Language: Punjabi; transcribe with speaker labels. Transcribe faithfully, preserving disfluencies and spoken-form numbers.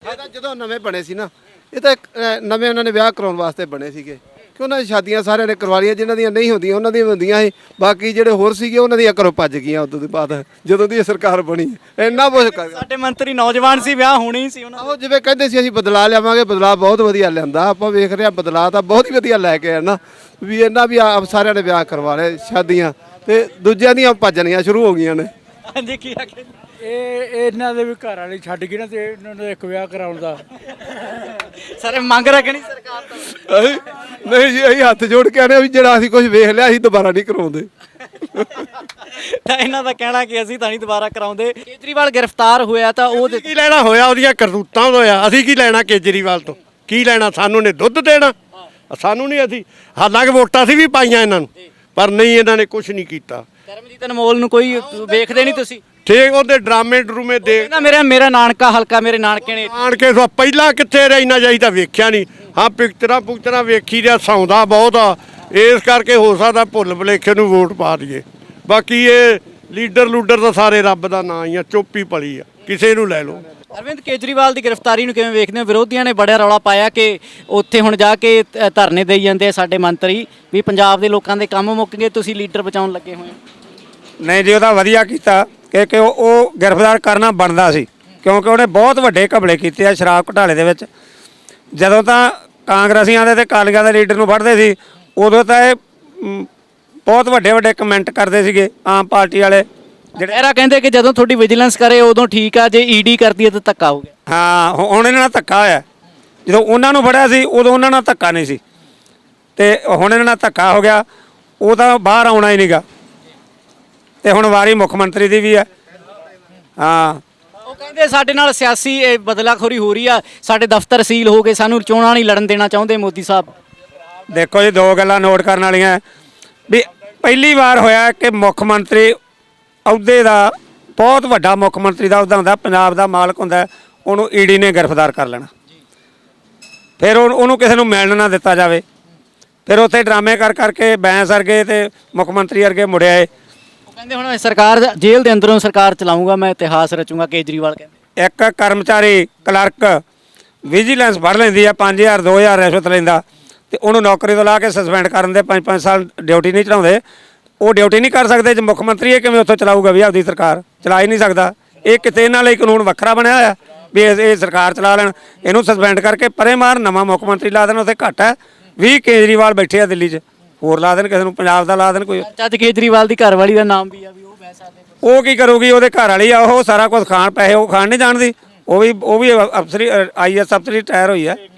Speaker 1: ਇਹ ਤਾਂ ਜਦੋਂ ਨਵੇਂ ਬਣੇ ਸੀ ਨਾ, ਇਹ ਤਾਂ ਇੱਕ, ਅ, ਨਵੇਂ ਉਹਨਾਂ ਨੇ ਵਿਆਹ ਕਰਾਉਣ ਵਾਸਤੇ ਬਣੇ ਸੀਗੇ ਕਿ ਉਹਨਾਂ ਦੀ ਸ਼ਾਦੀਆਂ ਸਾਰਿਆਂ ਨੇ ਕਰਵਾ ਲਈਆਂ, ਜਿਨ੍ਹਾਂ ਦੀਆਂ ਨਹੀਂ ਹੁੰਦੀਆਂ ਉਹਨਾਂ ਦੀਆਂ ਹੁੰਦੀਆਂ ਸੀ। ਬਾਕੀ ਜਿਹੜੇ ਹੋਰ ਸੀਗੇ ਉਹਨਾਂ ਦੀਆਂ ਘਰੋਂ ਭੱਜ ਗਈਆਂ ਉਦੋਂ ਦੀ ਬਾਅਦ, ਜਦੋਂ ਦੀ ਇਹ ਸਰਕਾਰ ਬਣੀ ਇੰਨਾ ਕੁਛ ਕਰ।
Speaker 2: ਸਾਡੇ ਮੰਤਰੀ ਨੌਜਵਾਨ ਸੀ, ਵਿਆਹ ਹੋਣੀ ਹੀ ਸੀ ਉਹਨਾਂ
Speaker 1: ਆਹੋ ਜਿਵੇਂ ਕਹਿੰਦੇ ਸੀ ਅਸੀਂ ਬਦਲਾ ਲਿਆਵਾਂਗੇ, ਬਦਲਾ ਬਹੁਤ ਵਧੀਆ ਲਿਆਂਦਾ। ਆਪਾਂ ਵੇਖ ਰਹੇ ਹਾਂ ਬਦਲਾ ਤਾਂ ਬਹੁਤ ਹੀ ਵਧੀਆ ਲੈ ਕੇ ਆਏ ਨਾ, ਵੀ ਇਹਨਾਂ ਵੀ ਆਪ ਸਾਰਿਆਂ ਨੇ ਵਿਆਹ ਕਰਵਾ ਲਏ ਸ਼ਾਦੀਆਂ, ਤੇ ਦੂਜਿਆਂ ਦੀਆਂ ਭੱਜਣੀਆਂ ਸ਼ੁਰੂ ਹੋ ਗਈਆਂ ਨੇ।
Speaker 2: ਹਾਂਜੀ ਕੀ ਆਖੇ
Speaker 3: ਇਹ ਇਹਨਾਂ ਦੇ ਵੀ ਘਰ ਵਾਲੀ ਛੱਡ ਗਈ ਨਾ, ਤੇ ਇਹਨਾਂ ਨੂੰ ਇੱਕ ਵਿਆਹ ਕਰਾਉਣ ਦਾ
Speaker 2: ਸਰ ਮੰਗ ਰੱਖਣੀ ਸਰਕਾਰ ਤੋਂ।
Speaker 1: ਅਸੀਂ ਨਹੀਂ ਜੀ, ਅਸੀਂ ਹੱਥ ਜੋੜ ਕੇ ਆਨੇ ਵੀ ਜਿਹੜਾ ਅਸੀਂ ਕੁਝ ਵੇਖ ਲਿਆ ਅਸੀਂ ਦੁਬਾਰਾ ਨਹੀਂ ਕਰਾਉਂਦੇ।
Speaker 2: ਤਾਂ ਇਹਨਾਂ ਦਾ ਕਹਿਣਾ ਕਿ ਅਸੀਂ ਤਾਂ ਨਹੀਂ ਦੁਬਾਰਾ ਕਰਾਉਂਦੇ। ਕੇਜਰੀਵਾਲ ਗ੍ਰਿਫਤਾਰ ਹੋਇਆ ਤਾਂ ਉਹ
Speaker 4: ਕੀ ਲੈਣਾ ਹੋਇਆ ਉਹਦੀਆਂ ਕਰਤੂਤਾਂ ਤੋਂ ਹੋਇਆ, ਅਸੀਂ ਕੀ ਲੈਣਾ ਕੇਜਰੀਵਾਲ ਤੋਂ, ਕੀ ਲੈਣਾ? ਸਾਨੂੰ ਨੇ ਦੁੱਧ ਦੇਣਾ, ਸਾਨੂੰ ਨਹੀਂ। ਅਸੀਂ ਹਾਲਾਂਕਿ ਵੋਟਾਂ ਸੀ ਵੀ ਪਾਈਆਂ ਇਹਨਾਂ ਨੂੰ, ਪਰ ਨਹੀਂ ਇਹਨਾਂ ਨੇ ਕੁਝ ਨਹੀਂ ਕੀਤਾ।
Speaker 2: ਕਰਮਜੀਤ ਅਨਮੋਲ ਨੂੰ ਕੋਈ ਵੇਖਦੇ ਨਹੀਂ ਤੁਸੀਂ?
Speaker 4: ਠੀਕ ਉਹਦੇ ਡਰਾਮੇ ਡਰੂਮੇ ਦੇ
Speaker 2: ਕਹਿੰਦਾ ਮੇਰਾ ਮੇਰਾ ਨਾਨਕਾ ਹਲਕਾ, ਮੇਰੇ ਨਾਨਕੇ ਨੇ
Speaker 4: ਆਣ ਕੇ ਸੋ ਪਹਿਲਾਂ ਕਿੱਥੇ ਰਹਿਣਾ ਚਾਹੀਦਾ ਵੇਖਿਆ ਨਹੀਂ। ਹਾਂ ਪਿਕਚਰਾਂ ਪੁਕਚਰਾਂ ਵੇਖੀ ਰਿਆ, ਸੌਂਦਾ ਬਹੁਤ ਆ, ਇਸ ਕਰਕੇ ਹੋ ਸਕਦਾ ਭੁੱਲ ਭੁਲੇਖੇ ਨੂੰ ਵੋਟ ਪਾ ਦਈਏ। ਬਾਕੀ ਇਹ ਲੀਡਰ ਲੂਡਰ ਤਾਂ ਸਾਰੇ ਰੱਬ ਦਾ ਨਾਂ ਹੀ ਆ, ਚੁੱਪ ਹੀ ਪਲੀ ਆ, ਕਿਸੇ ਨੂੰ ਲੈ ਲਓ।
Speaker 2: ਅਰਵਿੰਦ ਕੇਜਰੀਵਾਲ ਦੀ ਗ੍ਰਿਫਤਾਰੀ ਨੂੰ ਕਿਵੇਂ ਵੇਖਦੇ ਹੋ? ਵਿਰੋਧੀਆਂ ਨੇ ਬੜਾ ਰੌਲਾ ਪਾਇਆ ਕਿ ਉੱਥੇ ਹੁਣ ਜਾ ਕੇ ਧ- ਧਰਨੇ ਦੇਈ ਜਾਂਦੇ ਆ ਸਾਡੇ ਮੰਤਰੀ ਵੀ ਪੰਜਾਬ ਦੇ ਲੋਕਾਂ ਦੇ ਕੰਮ ਮੁੱਕ ਗਏ, ਤੁਸੀਂ ਲੀਡਰ ਬਚਾਉਣ ਲੱਗੇ ਹੋਏ ਹੋ।
Speaker 5: ਨਹੀਂ ਜੀ, ਉਹਦਾ ਵਧੀਆ ਕੀਤਾ ਕਿ ਕਿ ਉਹ ਉਹ ਗ੍ਰਿਫਤਾਰ ਕਰਨਾ ਬਣਦਾ ਸੀ, ਕਿਉਂਕਿ ਉਹਨੇ ਬਹੁਤ ਵੱਡੇ ਘਪਲੇ ਕੀਤੇ ਆ ਸ਼ਰਾਬ ਘੁਟਾਲੇ ਦੇ ਵਿੱਚ। ਜਦੋਂ ਤਾਂ ਕਾਂਗਰਸੀਆਂ ਦੇ ਤੇ ਅਕਾਲੀਆਂ ਦੇ ਲੀਡਰ ਨੂੰ ਫੜਦੇ ਸੀ, ਉਦੋਂ ਤਾਂ ਇਹ ਮ, ਬਹੁਤ ਵੱਡੇ ਵੱਡੇ ਕਮੈਂਟ ਕਰਦੇ ਸੀਗੇ ਆਮ ਪਾਰਟੀ ਵਾਲੇ ਜਿਹੜੇ।
Speaker 2: ਇਹਰਾ ਕਹਿੰਦੇ ਕਿ ਜਦੋਂ ਤੁਹਾਡੀ ਵਿਜੀਲੈਂਸ ਕਰੇ ਉਦੋਂ ਠੀਕ ਆ, ਜੇ ਈਡੀ ਕਰਦੀ ਹੈ ਤਾਂ ਧੱਕਾ ਹੋ ਗਿਆ।
Speaker 5: ਹਾਂ ਹੁ- ਹੁਣ ਇਹਨਾਂ ਨਾਲ ਧੱਕਾ ਹੋਇਆ। ਜਦੋਂ ਉਹਨਾਂ ਨੂੰ ਫੜਿਆ ਸੀ ਉਦੋਂ ਉਹਨਾਂ ਨਾਲ ਧੱਕਾ ਨਹੀਂ ਸੀ, ਤੇ ਹੁਣ ਇਹਨਾਂ ਨਾਲ ਧੱਕਾ ਹੋ ਗਿਆ। ਉਹ ਤਾਂ ਬਾਹਰ ਆਉਣਾ ਹੀ ਨਹੀਂਗਾ, ਤੇ ਹੁਣ ਵਾਰੀ ਮੁੱਖ ਮੰਤਰੀ ਦੀ ਵੀ ਹੈ। ਹਾਂ
Speaker 2: ਉਹ ਕਹਿੰਦੇ ਸਾਡੇ ਨਾਲ ਸਿਆਸੀ ਇਹ ਬਦਲਾਖੋਰੀ ਹੋ ਰਹੀ ਆ, ਸਾਡੇ ਦਫ਼ਤਰ ਸੀਲ ਹੋ ਗਏ, ਸਾਨੂੰ ਚੋਣਾਂ ਨਹੀਂ ਲੜਨ ਦੇਣਾ ਚਾਹੁੰਦੇ ਮੋਦੀ ਸਾਹਿਬ।
Speaker 5: ਦੇਖੋ ਜੀ, ਦੋ ਗੱਲਾਂ ਨੋਟ ਕਰਨ ਵਾਲੀਆਂ ਹੈ ਵੀ ਪਹਿਲੀ ਵਾਰ ਹੋਇਆ ਕਿ ਮੁੱਖ ਮੰਤਰੀ ਅਹੁਦੇ ਦਾ, ਬਹੁਤ ਵੱਡਾ ਮੁੱਖ ਮੰਤਰੀ ਦਾ ਅਹੁਦਾ ਹੁੰਦਾ, ਪੰਜਾਬ ਦਾ ਮਾਲਕ ਹੁੰਦਾ, ਉਹਨੂੰ ਈਡੀ ਨੇ ਗ੍ਰਿਫਤਾਰ ਕਰ ਲੈਣਾ। ਫਿਰ ਉਹ- ਉਹਨੂੰ ਕਿਸੇ ਨੂੰ ਮਿਲਣ ਨਾ ਦਿੱਤਾ ਜਾਵੇ। ਫਿਰ ਉੱਥੇ ਡਰਾਮੇ ਕਰ ਕਰਕੇ ਬੈਂਸ ਵਰਗੇ ਤੇ ਮੁੱਖ ਮੰਤਰੀ ਵਰਗੇ ਮੁੜਿਆ ਏ।
Speaker 2: ਉਹ ਕਹਿੰਦੇ ਹੁਣ ਸਰਕਾਰ ਜੇਲ੍ਹ ਦੇ ਅੰਦਰੋਂ ਸਰਕਾਰ ਚਲਾਊਂਗਾ, ਮੈਂ ਇਤਿਹਾਸ ਰਚੂੰਗਾ, ਕੇਜਰੀਵਾਲ ਕਹਿੰਦੇ।
Speaker 5: ਇੱਕ ਕਰਮਚਾਰੀ ਕਲਰਕ ਵਿਜੀਲੈਂਸ ਫੜ ਲੈਂਦੀ ਆ, ਪੰਜ ਹਜ਼ਾਰ ਦੋ ਹਜ਼ਾਰ ਰਿਸ਼ਵਤ ਲੈਂਦਾ, ਤੇ ਉਹਨੂੰ ਨੌਕਰੀ ਤੋਂ ਲਾ ਕੇ ਸਸਪੈਂਡ ਕਰਨ ਦੇ ਪੰਜ ਪੰਜ ਸਾਲ ਡਿਊਟੀ ਨਹੀਂ ਚੜਾਉਂਦੇ। ਉਹ ਡਿਊਟੀ ਨਹੀਂ ਕਰ ਸਕਦੇ ਜੇ ਮੁੱਖ ਮੰਤਰੀ ਇਹ ਕਿਵੇਂ ਉੱਥੋਂ ਚਲਾਊਗਾ? ਵੀ ਆਪਦੀ ਸਰਕਾਰ ਚਲਾ ਹੀ ਨਹੀਂ ਸਕਦਾ। ਇਹ ਕਿਤੇ ਇਹਨਾਂ ਲਈ ਕਾਨੂੰਨ ਵੱਖਰਾ ਬਣਿਆ ਹੋਇਆ ਵੀ ਇਹ ਇਹ ਸਰਕਾਰ ਚਲਾ ਲੈਣ, ਇਹਨੂੰ ਸਸਪੈਂਡ ਕਰਕੇ ਪਰੇ ਮਾਰ, ਨਵਾਂ ਮੁੱਖ ਮੰਤਰੀ ਲਾ ਦੇਣ। ਉੱਥੇ ਘੱਟ ਹੈ ਵੀਹ ਕੇਜਰੀਵਾਲ ਬੈਠੇ ਆ ਦਿੱਲੀ 'ਚ, ਹੋਰ ਲਾ ਦੇਣ ਕਿਸੇ ਨੂੰ, ਪੰਜਾਬ ਦਾ ਲਾ ਦੇਣ ਕੋਈ।
Speaker 2: ਅੱਜ ਕੇਜਰੀਵਾਲ ਦੀ ਘਰਵਾਲੀ ਦਾ ਨਾਮ ਵੀ ਆ, ਵੀ ਉਹ ਬਹਿ ਸਕਦੇ।
Speaker 5: ਉਹ ਕੀ ਕਰੂਗੀ? ਉਹਦੇ ਘਰ ਵਾਲੀ ਆ, ਉਹ ਸਾਰਾ ਕੁਝ ਖਾਣ, ਪੈਸੇ ਉਹ ਖਾਣ ਨਹੀਂ ਜਾਣਦੀ। ਉਹ ਵੀ ਉਹ ਵੀ ਅਫਸਰੀ ਆਈ ਐਸ ਅਫਸਰੀ ਰਿਟਾਇਰ ਹੋਈ ਹੈ।